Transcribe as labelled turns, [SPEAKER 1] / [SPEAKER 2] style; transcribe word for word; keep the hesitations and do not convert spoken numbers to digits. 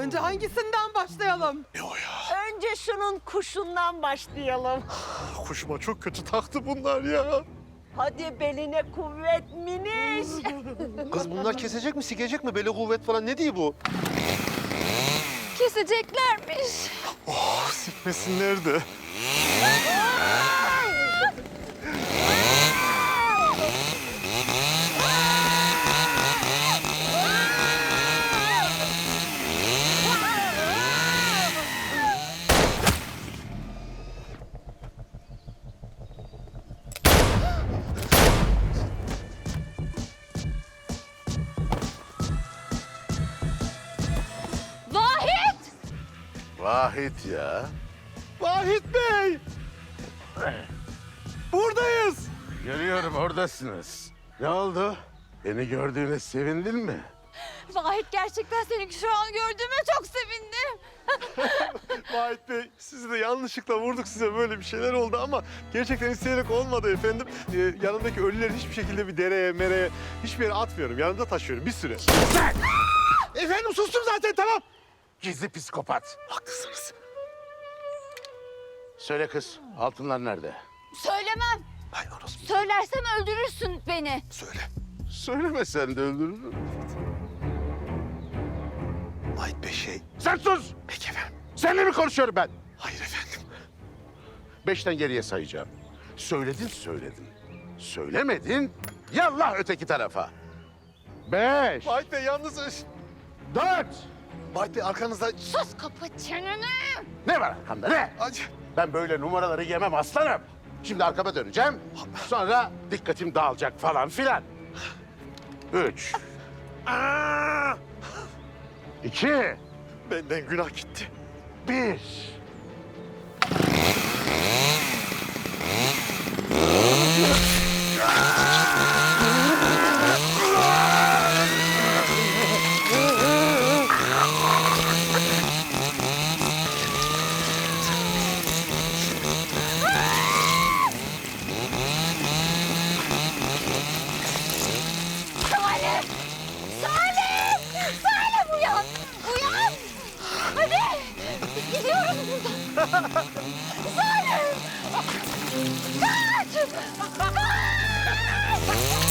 [SPEAKER 1] Önce hangisinden başlayalım?
[SPEAKER 2] Ne o ya?
[SPEAKER 3] Önce şunun kuşundan başlayalım.
[SPEAKER 2] Kuşuma çok kötü taktı bunlar ya.
[SPEAKER 3] Hadi beline kuvvet miniş.
[SPEAKER 2] Kız bunlar kesecek mi, sikecek mi? Böyle kuvvet falan ne diyor bu?
[SPEAKER 4] Keseceklermiş.
[SPEAKER 2] Oh, sikmesinler de.
[SPEAKER 4] Vahit!
[SPEAKER 2] Vahit ya. Vahit Bey! Buradayız.
[SPEAKER 5] Görüyorum oradasınız. Ne oldu? Beni gördüğüne sevindin mi?
[SPEAKER 4] Vahit gerçekten seni şu an gördüğüme çok sevindim.
[SPEAKER 2] Vahit Bey, sizi de yanlışlıkla vurduk, size böyle bir şeyler oldu ama gerçekten isteyerek olmadı efendim. Ee, yanımdaki ölüleri hiçbir şekilde bir dereye, mereye, hiçbir yere atmıyorum. Yanımda taşıyorum bir süre.
[SPEAKER 5] Sen!
[SPEAKER 2] Efendim sustum zaten, tamam.
[SPEAKER 5] Gizli psikopat.
[SPEAKER 2] Haklısınız.
[SPEAKER 5] Söyle kız, altınlar nerede?
[SPEAKER 4] Söylemem.
[SPEAKER 2] Hay orospu.
[SPEAKER 4] Söylersem öldürürsün beni.
[SPEAKER 2] Söyle.
[SPEAKER 5] Söylemesen de öldürürüm.
[SPEAKER 2] Vahit Bey şey...
[SPEAKER 5] Sen sus!
[SPEAKER 2] Peki efendim.
[SPEAKER 5] Seninle mi konuşuyorum ben?
[SPEAKER 2] Hayır efendim.
[SPEAKER 5] Beşten geriye sayacağım. Söyledin söyledin. Söylemedin, yallah öteki tarafa. Beş,
[SPEAKER 2] Vahit Bey yalnız...
[SPEAKER 5] dört.
[SPEAKER 2] Vahit Bey arkanızda...
[SPEAKER 4] Sus, kapa çeneni.
[SPEAKER 5] Ne var arkamda ne?
[SPEAKER 2] Acı.
[SPEAKER 5] Ben böyle numaraları yemem aslanım. Şimdi arkama döneceğim. Sonra dikkatim dağılacak falan filan. Üç.
[SPEAKER 2] Aa!
[SPEAKER 5] İki.
[SPEAKER 2] Benden günah gitti.
[SPEAKER 5] Bir.
[SPEAKER 4] Salim! Salim! Salim uyan! Uyan! Hadi! Gidiyoruz buradan. Salim! Kaç! Kaç!